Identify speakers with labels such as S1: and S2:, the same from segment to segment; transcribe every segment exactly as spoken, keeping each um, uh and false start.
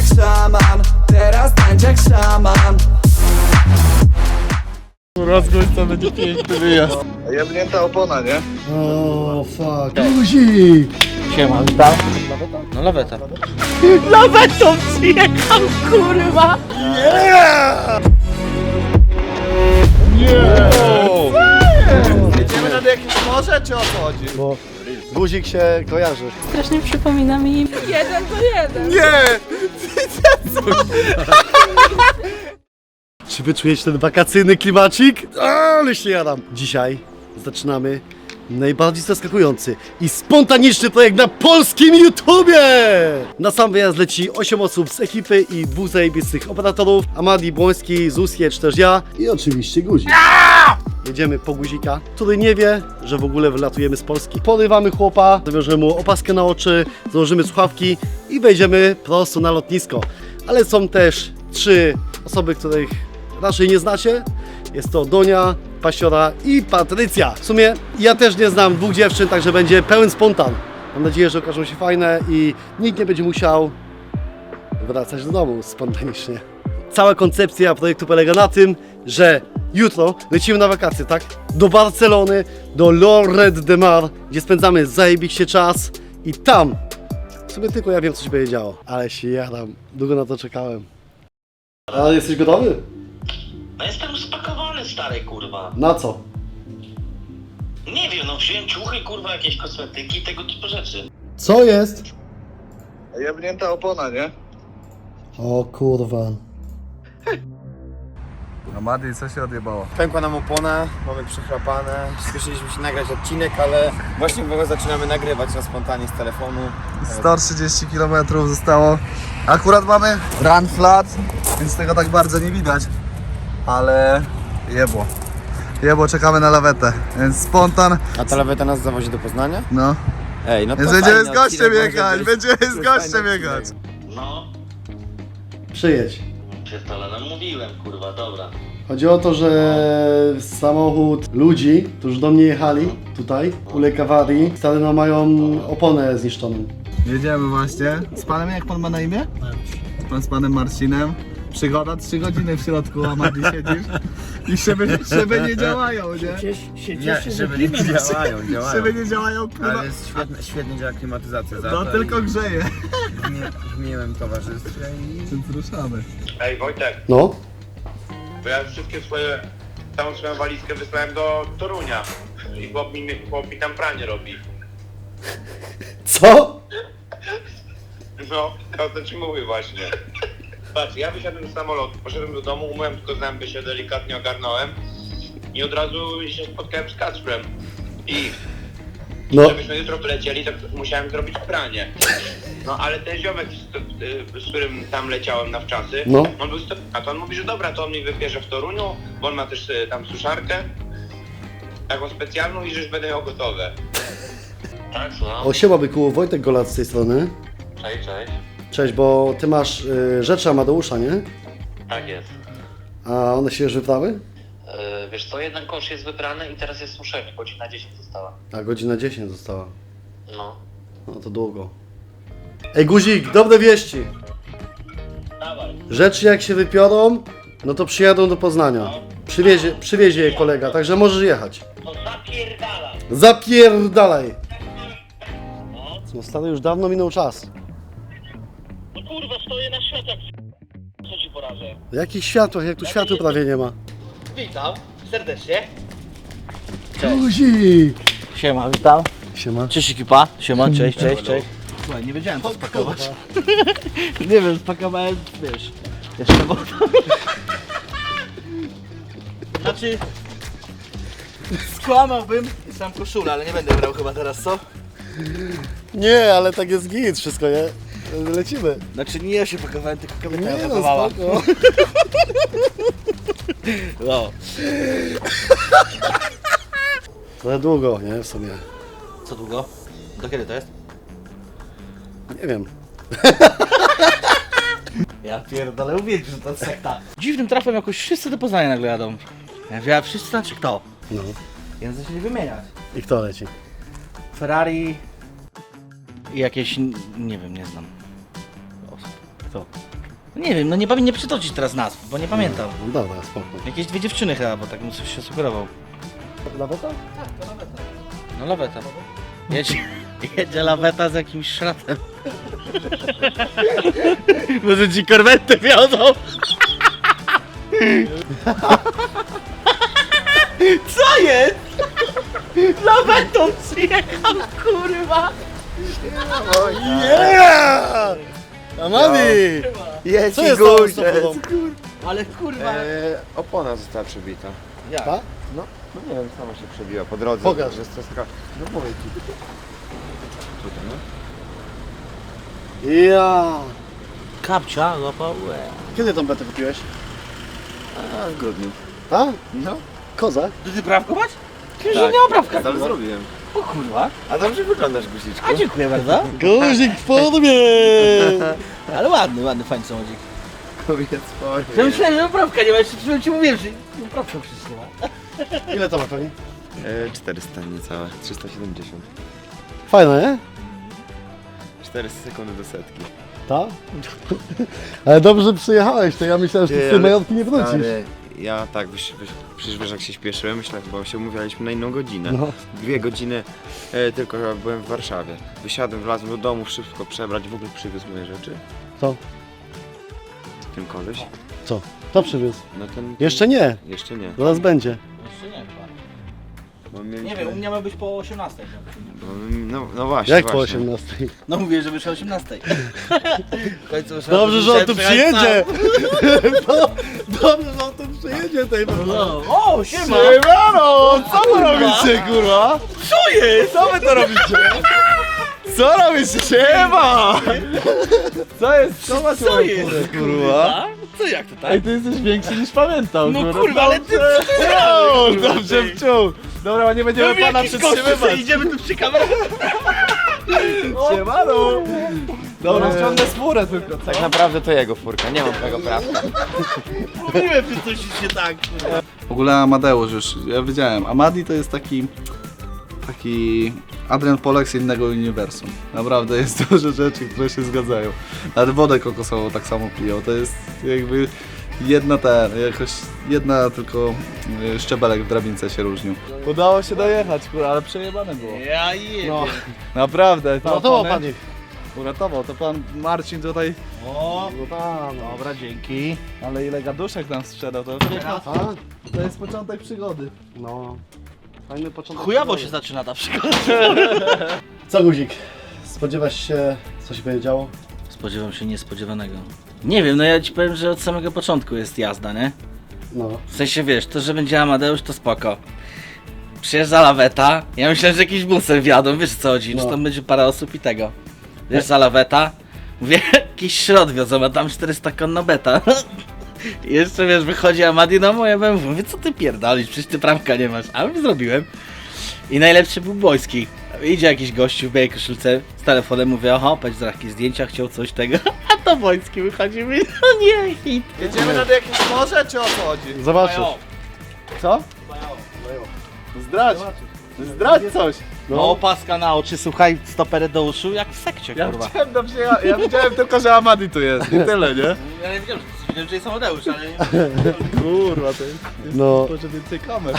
S1: jak szaman, teraz tańcz jak szaman.
S2: Rozgłoś to będzie piękny wyjazd.
S3: Jebnięta opona, nie?
S4: O, fuck. Guzik!
S2: Siema, witam. No laweta.
S5: Lawetą przyjechał, kurwa!
S3: Jedziemy nad jakieś morze, czy o co chodzi?
S4: Bo guzik się kojarzy.
S5: Strasznie przypomina mi jeden do jeden.
S3: Nie!
S4: Czy wy czujecie ten wakacyjny klimacik? Ale się jadam. Dzisiaj zaczynamy najbardziej zaskakujący i spontaniczny projekt na polskim YouTubie! Na sam wyjazd leci osiem osób z ekipy i dwóch zajebistych operatorów. Amadi, Błoński, Zusje, czy też ja. I oczywiście guzik. Jedziemy po guzika, który nie wie, że w ogóle wylatujemy z Polski. Porywamy chłopa, zawiążemy mu opaskę na oczy, założymy słuchawki i wejdziemy prosto na lotnisko. Ale są też trzy osoby, których raczej nie znacie. Jest to Donia, Pasiora i Patrycja. W sumie ja też nie znam dwóch dziewczyn, także będzie pełen spontan. Mam nadzieję, że okażą się fajne i nikt nie będzie musiał wracać do domu spontanicznie. Cała koncepcja projektu polega na tym, że jutro lecimy na wakacje, tak? Do Barcelony, do Lloret de Mar, gdzie spędzamy zajebiście czas i tam w sumie tylko ja wiem, co się będzie działo. Ale się jadam, długo na to czekałem. A jesteś gotowy?
S6: No jestem spakowany, stary, kurwa.
S4: Na co?
S6: Nie wiem, no wziąłem ciuchy, kurwa, jakieś kosmetyki, tego typu rzeczy.
S4: Co jest?
S3: Jebnięta opona, nie?
S4: O kurwa.
S3: No Madi, co się odjebało?
S2: Pękła nam opona, mamy przechrapane. Spieszyliśmy się nagrać odcinek, ale właśnie go zaczynamy nagrywać na spontanie z telefonu.
S3: sto trzydzieści kilometrów zostało. Akurat mamy run flat, więc tego tak bardzo nie widać. Ale jebło. Jebło, czekamy na lawetę, więc spontan.
S2: A ta laweta nas zawozi do Poznania?
S3: No.
S2: Ej, no to
S3: Więc będziemy z
S2: fajny
S3: gościem
S2: odcinek
S3: jechać,
S2: może być.
S3: będziemy
S2: To
S3: z
S2: jest
S3: gościem
S2: fajny
S3: jechać.
S2: odcinek.
S6: No,
S4: Przyjedź.
S6: pierdolę, no mówiłem, kurwa, dobra.
S4: Chodzi o to, że samochód ludzi, którzy do mnie jechali tutaj, uległ awarii, stary no mają oponę zniszczoną.
S3: Jedziemy właśnie. Z panem, jak pan ma na imię? Pan z panem Marcinem. Przygoda, trzy godziny w środku, a Madi siedzisz i szyby, szyby nie działają, nie?
S2: Nie, żeby nie działają, działają.
S3: Szyby nie działają, kurwa.
S2: Ale jest świetnie, świetnie działa klimatyzacja. za
S3: No
S2: to
S3: tylko
S2: i
S3: grzeje.
S2: W, mi, w miłym towarzystwie i...
S3: Więc ruszamy.
S7: Ej Wojtek,
S4: No,
S7: bo ja wszystkie swoje, całą swoją walizkę wysłałem do Torunia i chłop mi, chłop mi tam pranie robi.
S4: co?
S7: No, to co ci mówię właśnie. Patrz, ja wysiadłem z samolotu, poszedłem do domu, umyłem tylko zęby, się delikatnie ogarnąłem i od razu się spotkałem z Kacprem. I
S4: No,
S7: żebyśmy jutro wylecieli, to musiałem zrobić pranie. No ale ten ziomek, z, z którym tam leciałem na wczasy,
S4: No.
S7: on był sto... a to on mówi, że dobra, to on mi wybierze w Toruniu, bo on ma też y, tam suszarkę, taką specjalną i że już będę miał gotowe.
S6: Tak, słucham?
S4: o siema byku, Wojtek Golat z tej strony.
S6: Cześć, cześć.
S4: Cześć, bo ty masz y, rzeczy Amadeusza, nie?
S6: Tak jest.
S4: A one się już wyprawy?
S6: Yy, wiesz co, jeden kosz jest wybrany i teraz jest suszenie, godzina dziesięć została.
S4: A godzina dziesięć została.
S6: No.
S4: No to długo. Ej guzik, dobre wieści.
S6: Dawaj.
S4: Rzeczy jak się wypiorą, no to przyjadą do Poznania. Przywiezie, przywiezie je kolega, także możesz jechać.
S6: No zapierdala.
S4: Zapierdalaj! No stary, już dawno minął czas.
S6: No kurwa, stoję na światach, co ci poradzę?
S4: W jakich światłach, jak tu światła prawie nie ma.
S6: Witam, serdecznie.
S4: Guzik!
S5: Siema, witam.
S4: Siema.
S5: Cześć ekipa. Siema, cześć, cześć, cześć.
S3: Słuchaj, nie wiedziałem co spakować.
S5: Nie wiem, spakowałem, wiesz, jeszcze bo... Znaczy... Skłamałbym, sam koszulę, ale nie będę brał chyba teraz, co?
S4: Nie, ale tak jest git, wszystko, nie? Lecimy.
S5: Znaczy nie ja się pakowałem, tylko kobieta
S4: Nie
S5: ja
S4: no,
S5: pakowała.
S4: spoko.
S5: No.
S4: Trochę długo, nie? W sumie.
S5: Co długo? Do kiedy to jest?
S4: Nie wiem.
S5: Ja pierdolę, uwierz, że to sekta. Dziwnym trafem jakoś wszyscy do Poznania nagle jadą. Ja mówię, a wszyscy znaczy kto?
S4: No.
S5: Więc zaczęli wymieniać.
S4: I kto leci?
S5: Ferrari i jakieś, nie wiem, nie znam osób.
S4: Kto?
S5: Nie wiem, no nie pamiętam, nie przytoczyć teraz nazw, bo nie pamiętam.
S4: No dobra, spoko.
S5: Jakieś dwie dziewczyny chyba, bo tak mu coś się sugerował.
S4: Laweta?
S5: No laweta. Jedzie, jedzie laweta z jakimś szratem. Może ci korwetę wiodą? Co jest? Lawetą przyjechał, kurwa!
S4: Yeah! Amadi!
S2: Jest
S4: Co jest z tą samochodą?
S5: Ale kurwa...
S2: Eee, opona została przebita.
S5: Jak?
S4: Ta?
S2: No, no nie wiem, sama się przebiła po drodze.
S4: Pokaż.
S2: Że jest to jest taka... No mówię ci. Tutaj, no.
S4: Ja!
S5: Kapcia, złapał łeb.
S4: Kiedy tą betę kupiłeś?
S2: A, w grudniu.
S4: A?
S2: No.
S4: Kozak?
S5: Ty ty prawko masz? Ty, że
S2: Tak.
S5: nie ma prawka.
S2: Ale zrobiłem.
S5: O kurwa.
S2: A dobrze wyglądasz, guziczku.
S5: A dziękuję bardzo.
S4: Guzik w formie!
S5: Ale ładny, ładny, fajny samochodzik.
S2: Kobiet
S5: Ja
S2: sport.
S5: myślałem, że poprawka nie ma, jeszcze przed ci mówiłem, że poprawka przecież nie ma.
S4: Ile to ma koni?
S2: Eee, czterysta niecałe. trzysta siedemdziesiąt.
S4: Fajne, nie?
S2: czterysta sekundy do setki.
S4: Ta? Ale dobrze że przyjechałeś, to ja myślałem, że ty z tej
S2: ale-
S4: majątki nie wrócisz.
S2: Ale ja tak, wyś, wyś, przecież wiesz jak się śpieszyłem, myślę, bo się umówialiśmy na inną godzinę.
S4: No.
S2: Dwie godziny e, tylko chyba byłem w Warszawie. Wysiadłem, wlazłem do domu, szybko przebrać, w ogóle przywiózł moje rzeczy.
S4: Co?
S2: Ten koleś.
S4: Co? Kto przywiózł?
S2: No ten...
S4: Jeszcze nie,
S2: Jeszcze nie.
S4: zaraz będzie.
S5: Jeszcze nie chyba.
S2: Bo mieliśmy...
S5: Nie wiem, u mnie ma być po osiemnastej.
S2: Bo, no, no właśnie,
S4: Jak po
S2: właśnie.
S4: osiemnastej?
S5: No mówię, że wyszło o osiemnastej. W końcu wyszło-
S4: Dobrze, że on tu
S5: musiałem
S4: przyjedzie!
S5: przyjechać
S4: No, dobrze, że on tu przyjedzie tej
S5: sam. No. O, siema!
S4: Siemano! Co wy robicie, kurwa?
S5: Co jest?
S4: Co wy to robicie? Co robicie? Siema! Co jest? Co masz
S5: Co jest?
S4: kurwa?
S5: Co jak to tak?
S4: Ej, ty jesteś większy niż pamiętał,
S5: No kurwa, ale ty
S4: wciął, dobrze wciął. Dobra, nie będziemy pana
S5: jakiś koszty,
S4: przytrzymywać.
S5: idziemy tu przy kamerze.
S4: Siemano! Dobra, wciągnę spórę tylko, co?
S2: Tak naprawdę to jego furka, nie mam tego prawa.
S5: Mówiłem, że coś jest nie tak.
S3: W ogóle Amadeusz już, ja wiedziałem, Amadi to jest taki, taki Adrian Polak z innego uniwersum. Naprawdę jest dużo rzeczy, które się zgadzają. Nawet wodę kokosową tak samo piją, to jest jakby jedna ta, jakoś jedna tylko y, szczebelek w drabince się różnił. Udało się dojechać, kurwa, ale przejebane było.
S5: Ja jebie.
S4: No,
S3: Naprawdę.
S4: no to pan ich.
S3: Uratował, to pan Marcin tutaj,
S5: O,
S4: No tam, no.
S5: dobra, dzięki.
S3: ale ile gaduszek nam sprzedał, to,
S4: A?
S3: to jest początek przygody.
S4: No. Fajny początek.
S5: Chujowo się zaczyna ta przygoda.
S4: Co, Guzik? Spodziewasz się, co się będzie działo?
S5: Spodziewam się niespodziewanego. Nie wiem, no ja ci powiem, że od samego początku jest jazda, nie?
S4: No.
S5: W sensie wiesz, to, że będzie Amadeusz, to spoko. Przyjeżdża laweta, ja myślałem, że jakiś busem wjadą, wiesz co chodzi,
S4: No.
S5: że tam będzie parę osób i tego. Wiesz, za laweta, mówię, jakiś środ wiozą, a tam czterysta konno beta. I jeszcze wiesz, wychodzi Amadi, no moje B M W, mówię, co ty pierdolisz, przecież ty prawka nie masz, a zrobiłem. I najlepszy był Bojski. Idzie jakiś gościu w białej koszulce z telefonem, mówię, oho, patrz za jakieś zdjęcia, chciał coś tego, a to Bojski wychodzi i mówi, no nie, hit.
S3: Jedziemy nad jakieś morze, czy o co chodzi?
S4: Zobaczysz.
S3: Co? Zdradź! Zdradź coś!
S5: No opaska na oczy, słuchaj, stopery do uszu, jak w sekcie,
S3: Ja
S5: kurwa.
S3: widziałem, dobrze, ja, ja widziałem tylko, że Amadi tu jest i tyle, nie?
S5: Ja nie wiedziałem, że, wiedziałem, że jest Amadeusz, ale...
S3: Kurwa, to jest,
S4: No.
S3: może więcej kamer.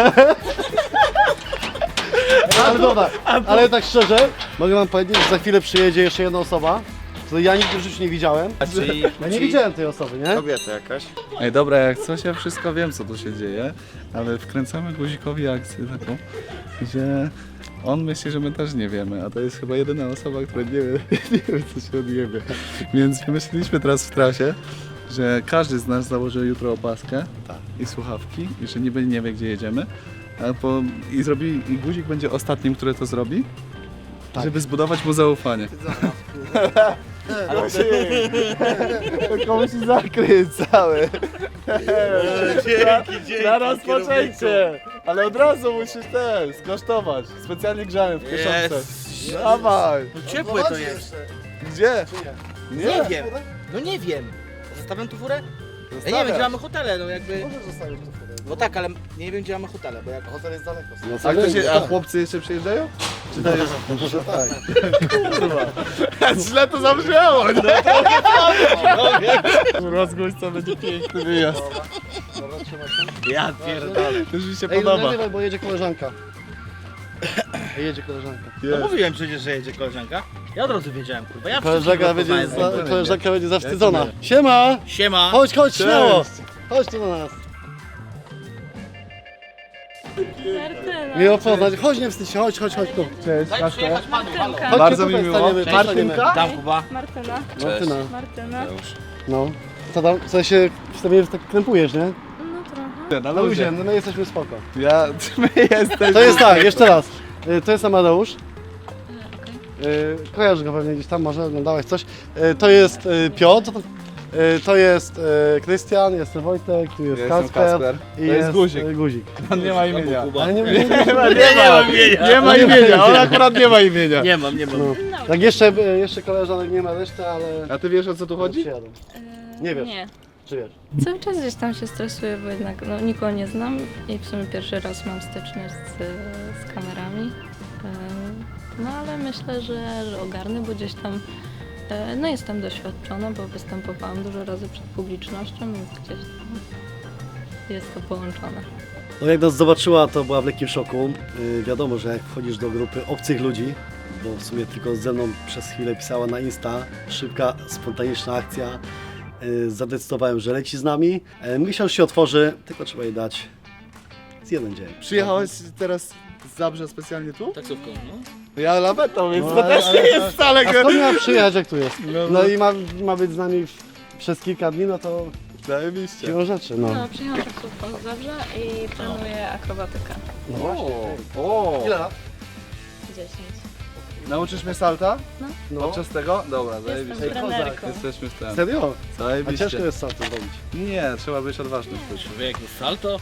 S4: Ale dobra, ale tak szczerze, mogę wam powiedzieć, że za chwilę przyjedzie jeszcze jedna osoba, której ja nigdy w życiu nie widziałem.
S5: Czyli,
S4: Ja nie widziałem tej osoby, nie?
S2: Kobieta jakaś.
S3: Ej, dobra, jak coś, ja wszystko wiem, co tu się dzieje, ale wkręcamy Guzikowi akcję taką, że on myśli, że my też nie wiemy, a to jest chyba jedyna osoba, która nie wie, nie wie co się odjebie. Więc wymyśliliśmy teraz w trasie, że każdy z nas założy jutro opaskę i słuchawki i że niby nie wie, gdzie jedziemy. A po, i, zrobi, I Guzik będzie ostatnim, który to zrobi, żeby zbudować mu zaufanie. Tylko musi zakryć cały.
S5: dzięki, dzięki.
S3: Na rozpoczęcie! Ale od razu musisz ten skosztować. Specjalnie grzałem w kieszonce.
S5: Jest.
S3: Dawaj!
S5: No ciepłe to jest.
S3: Gdzie?
S5: Nie wiem. No nie wiem. Zostawiam tu furę? Ja nie wiem, gdzie mamy hotele, no jakby... No tak, ale nie wiem gdzie mamy hotele, bo jak
S4: Hotel jest daleko. No,
S3: A, ktoś,
S4: wiem,
S3: a
S4: tak.
S3: chłopcy jeszcze przyjeżdżają?
S4: Czy to jest? Może tak.
S3: Źle to zabrzmiało, nie? Rozgłoś co będzie piękny wyjazd.
S5: Ja pierdolę.
S3: Już mi się
S4: Ej,
S3: podoba.
S4: nagrywaj, bo jedzie koleżanka. Jedzie koleżanka.
S5: No mówiłem przecież, że jedzie koleżanka. Ja od razu wiedziałem, kurwa. Ja
S4: Koleżanka
S5: wszystkich
S4: będzie,
S5: poznałem.
S4: za, koleżanka będzie zawstydzona. Siema!
S5: Siema.
S4: Chodź, chodź, śmiało! Chodź tu do nas.
S8: Martyna.
S4: Miło poznać. Chodź, nie wstydź się, chodź, chodź, chodź tu.
S3: Cześć,
S5: Daj
S3: Kaszka.
S5: przyjechać panu, halo.
S8: Martynka.
S3: Bardzo
S4: Chodźcie
S3: mi
S4: tutaj,
S3: miło.
S4: staniemy,
S3: Cześć.
S4: staniemy.
S3: Martynka?
S5: Dam Kuba.
S8: Martyna.
S4: Martyna.
S8: Martyna.
S4: No. Co tam? Co się wstawienie, że tak krępujesz, nie?
S8: No trochę.
S3: Na
S4: No ludzie,
S3: luzie.
S4: no my jesteśmy spoko.
S3: Ja, my jesteśmy...
S4: To jest tak, jeszcze raz. Y, To jest Amadeusz. Y, Kojarzysz go pewnie gdzieś tam, może oglądałeś coś. Y, To jest y, Piotr. Y, To jest y, Krystian, jestem Wojtek, tu jest
S3: Jestem
S4: Kasper.
S3: Kasper.
S4: I
S3: To jest Guzik.
S4: y, Guzik.
S3: On nie ma imienia.
S4: Ale nie, nie, nie,
S3: Nie ma, nie ma imienia. Nie ma imienia, on akurat nie ma imienia.
S5: Nie mam, nie mam.
S4: no. Tak jeszcze, y, jeszcze koleżanek nie ma reszty, ale...
S3: A ty wiesz o co tu chodzi?
S4: Przyjadą.
S8: E,
S4: Nie wiesz.
S8: Nie.
S4: Czy wiesz?
S8: Cały czas gdzieś tam się stresuję, bo jednak no, nikogo nie znam i w sumie pierwszy raz mam styczność z, z kamerami. E, No ale myślę, że, że ogarnę, bo gdzieś tam e, no jestem doświadczona, bo występowałam dużo razy przed publicznością, więc gdzieś tam jest to połączone.
S4: No jak nas zobaczyła, to była w lekkim szoku. Yy, wiadomo, że jak wchodzisz do grupy obcych ludzi, bo w sumie tylko ze mną przez chwilę pisała na Insta, szybka, spontaniczna akcja. Yy, zadecydowałem, że leci z nami. Yy, miesiąc się otworzy, tylko trzeba jej dać z jeden dzień.
S3: Przyjechałeś teraz z Zabrze specjalnie tu?
S5: Taksówką, no.
S3: Ja lawetą, więc
S4: No,
S3: to
S4: ale-
S3: też nie
S4: ale-
S3: jest wcale...
S4: A skąd miała przyjechać, jak tu jest?
S3: No,
S4: No i ma, ma być z nami w, przez kilka dni, no to
S3: Zajebiście.
S4: siłą rzeczy, no.
S8: No, przyjechałam taksówką z Zabrza i planuję akrobatykę.
S4: No właśnie.
S3: O,
S4: Ile lat?
S8: dziesięć.
S3: nauczysz mnie salta?
S4: No.
S3: Podczas tego? Dobra, zajebiście.
S8: Jestem trenerką.
S3: Jesteśmy w tym.
S4: Serio? A
S3: Zajebiście.
S4: ciężko jest salto zrobić.
S3: Nie, trzeba być odważnym.
S5: Człowiek jest salto.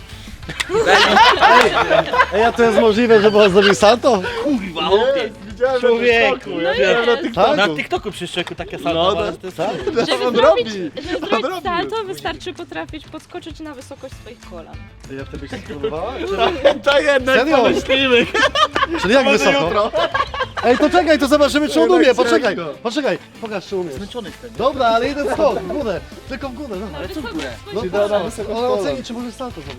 S4: Ej, a to jest możliwe, żeby on zrobił salto?
S5: Kurwa, chłopie.
S3: Widziałem
S5: Człowieku,
S3: ja widziałem na
S4: Tak?
S5: Na TikToku przy szczeku takie salto.
S3: No,
S5: ale
S3: to-
S5: to jest
S8: Żeby
S3: on
S8: zrobić,
S3: robi.
S8: żeby
S3: On
S8: zrobić
S3: robi.
S8: salto, wystarczy potrafić podskoczyć na wysokość swoich kolan.
S4: Ja wtedy się spróbowała?
S3: To jednak
S4: Serio?
S3: pomyślimy.
S4: Czyli jak wysoko? Ej, to czekaj, to zobaczymy, czy on
S3: Jednak
S4: umie, poczekaj,
S3: ciężko.
S4: poczekaj, pokaż, czy umiesz.
S5: zmęczony wtedy.
S4: Dobra, ale jeden skok, w górę, tylko w górę, no.
S5: Ale co w górę?
S4: No
S3: Czyli
S4: proszę,
S3: da na wysokość
S4: ona
S3: kolan.
S4: oceni, czy może salto zrobić.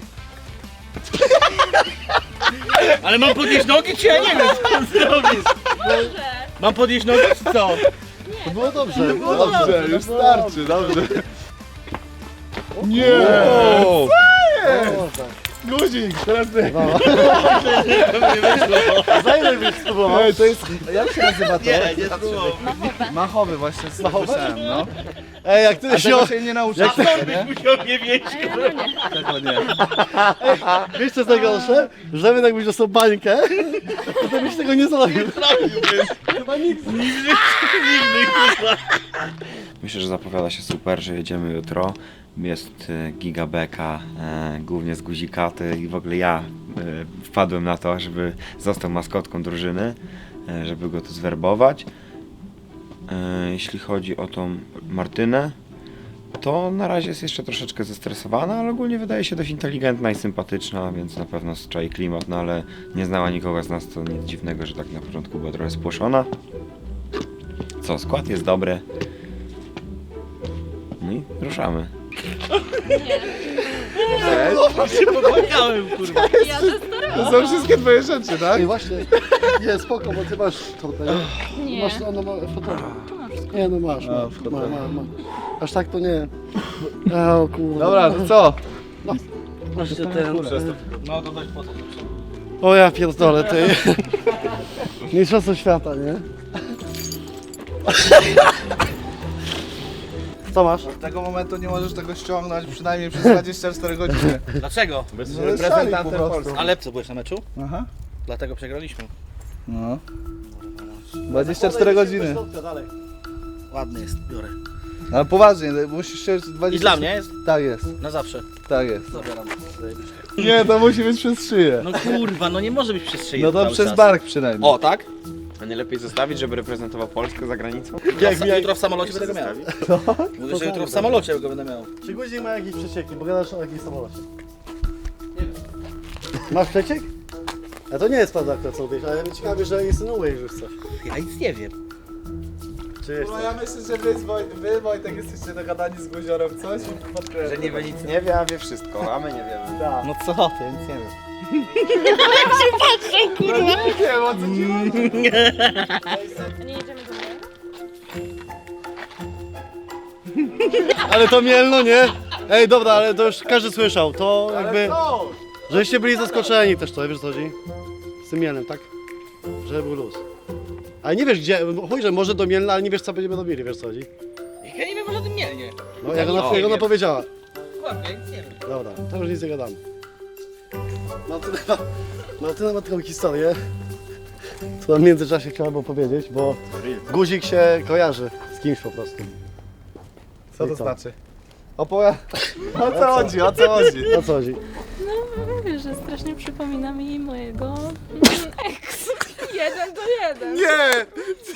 S5: Ale mam podnieść nogi, czy ja nie wiem, co mam zrobić? Mam podnieść nogi, czy co?
S4: To było dobrze.
S3: No dobrze, już starczy, dobrze. Nie!
S4: O, tak.
S3: Guzik, teraz ty.
S4: No. Za ile byś spróbował?
S3: Ej, to jest... Jak się nazywa to?
S5: Nie, nie spróbował.
S3: Machowy właśnie, z
S4: Machowy?
S3: słyszałem, no.
S4: Ej, jak ty
S3: A
S4: się...
S3: tego się nie nauczysz, nie?
S5: Musiał mnie wieść.
S3: Tego nie.
S4: Wiesz co jest najgorsze? Że my jakbyś dostał bańkę, to byś tego nie zrobił. Chyba nikt.
S9: Myślę, że zapowiada się super, że jedziemy jutro. Jest e, gigabeka, e, głównie z guzikaty i w ogóle ja e, wpadłem na to, żeby został maskotką drużyny, e, żeby go tu zwerbować. E, jeśli chodzi o tą Martynę, to na razie jest jeszcze troszeczkę zestresowana, ale ogólnie wydaje się dość inteligentna i sympatyczna, więc na pewno czai klimat, no ale nie znała nikogo z nas, to nic dziwnego, że tak na początku była trochę spłoszona. Co, skład jest dobry. No i ruszamy.
S5: Popłakałem, kurwa.
S8: Ja to starałam.
S3: To są wszystkie twoje rzeczy, tak?
S4: Ej, właśnie, nie, spoko, bo ty masz tutaj.
S8: Nie.
S4: Masz, ono ma fotel.
S8: Tu masz wszystko.
S4: Nie, no masz,
S3: A,
S4: masz,
S3: fotel.
S4: ma, ma, ma. Aż tak to nie. A, o kurde.
S3: Dobra, to co?
S4: Właśnie ten.
S5: No to dość po to.
S4: O ja pierdolę, ty. Mistrzostwo świata, nie? Co masz?
S3: Od tego momentu nie możesz tego ściągnąć przynajmniej przez dwadzieścia cztery godziny.
S5: Dlaczego?
S3: Bez reprezentantem Polski.
S5: Ale co, byłeś na meczu?
S3: Aha.
S5: Dlatego przegraliśmy.
S3: No. dwadzieścia cztery godziny.
S4: Dalej.
S5: Ładny jest, biorę.
S3: Ale poważnie, musisz się dwadzieścia...
S5: I dla mnie jest?
S3: Tak jest,
S5: Na zawsze.
S3: tak jest.
S5: Zabieram.
S3: Nie, to musi być przez szyję.
S5: No kurwa, no nie może być przez szyję
S3: No to
S5: cały
S3: przez
S5: czas.
S3: bark przynajmniej.
S5: O, tak?
S2: A nie lepiej zostawić, żeby reprezentował Polskę za granicą?
S5: Jak mi jutro w samolocie będę go miał. Mówię, że jutro w samolocie go będę miał.
S4: Czy guzik ma jakieś przecieki, bo gadasz o jakimś samolocie? Masz przeciek? A to nie jest prawda, co mówisz, ale mnie ciekawe, że insynuujesz już coś.
S5: Ja nic nie wiem.
S4: Czy jest
S3: No ja myślę, że wy, z Woj, wy Wojtek, jesteście dogadani z Guziorem w coś i podkreślam.
S2: Że niby nic nie wie, a wie wszystko, a my nie wiemy.
S3: Tak.
S5: No co ty, ja nic nie wiem.
S3: Nie wiem, o co ci chodzi.
S8: Nie jedziemy do mnie?
S4: Ale to Mielno, nie? Ej, dobra, ale to już każdy słyszał, to jakby...
S3: Ale co?
S4: Żeście byli zaskoczeni też to, wiesz co chodzi? Z tym Mielnem, tak? Że był luz. Ale nie wiesz gdzie, chuj, że może do Mielna, ale nie wiesz co będziemy robili, wiesz co chodzi?
S5: Ja nie wiem o tym mielnie.
S4: No jak ona,
S5: O,
S4: jak ona
S5: wiem.
S4: powiedziała.
S5: Chłopie, ja nic nie wiem.
S4: Dobra, to już nic nie gadamy. Martyna, Martyna ma taką historię, którą w międzyczasie chciałabym powiedzieć, bo guzik się kojarzy z kimś po prostu.
S3: Co
S4: I
S3: to
S4: co?
S3: znaczy? Opowiada. O co chodzi, o co chodzi?
S4: O co chodzi?
S8: No mówię, że strasznie przypomina mi mojego ex. Jeden do jeden.
S3: Nie!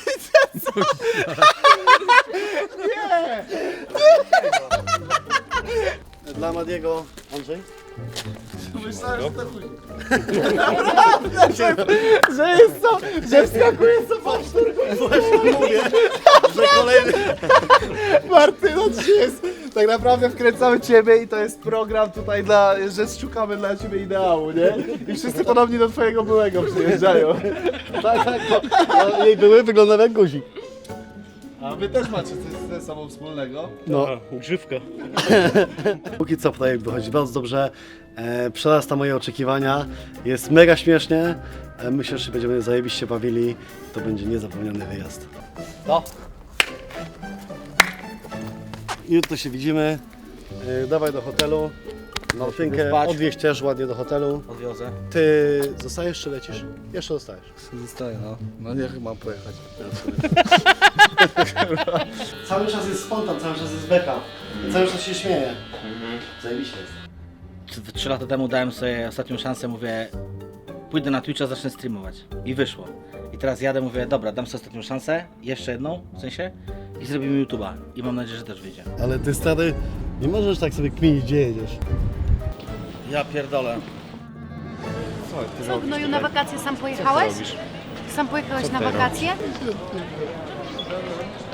S4: Dla Madiego, Andrzej?
S3: Myślałem, że to chuj. Naprawdę, że, że jest co, że wskakuje co pocztor.
S4: Właśnie mówię, że kolejny...
S3: Martyno, dzisiaj jest, tak naprawdę wkręcamy Ciebie i to jest program tutaj dla, że szukamy dla Ciebie ideału, nie? I wszyscy podobnie do Twojego byłego przyjeżdżają.
S4: Tak, tak, bo, bo jej były wyglądały jak guzik.
S3: A Wy też macie coś ze sobą wspólnego?
S4: No, grzywka. Póki co projekt wychodzi bardzo dobrze, e, przerasta moje oczekiwania, jest mega śmiesznie, e, myślę, że się będziemy zajebiście bawili, to będzie niezapomniany wyjazd.
S5: No.
S4: Jutro się widzimy, e, dawaj do hotelu, Martynkę
S5: spać.
S4: odwieźć też ładnie do hotelu.
S5: Odwiozę.
S4: Ty zostajesz czy lecisz? Jeszcze zostajesz.
S3: Zostaję, no. No niech mam pojechać.
S4: Cały czas jest spontan, cały czas jest beka, cały czas się śmieje. Zajebiście jest.
S5: Trzy- Trzy lata temu dałem sobie ostatnią szansę, mówię, pójdę na Twitcha, zacznę streamować. I wyszło. I teraz jadę, mówię, dobra, dam sobie ostatnią szansę, jeszcze jedną, w sensie, i zrobimy YouTube'a. I mam nadzieję, że też wyjdzie.
S4: Ale ty stary, nie możesz tak sobie kminić, gdzie jedziesz.
S5: Ja pierdolę.
S10: Co, gnoju, na wakacje sam pojechałeś? Sam pojechałeś na wakacje?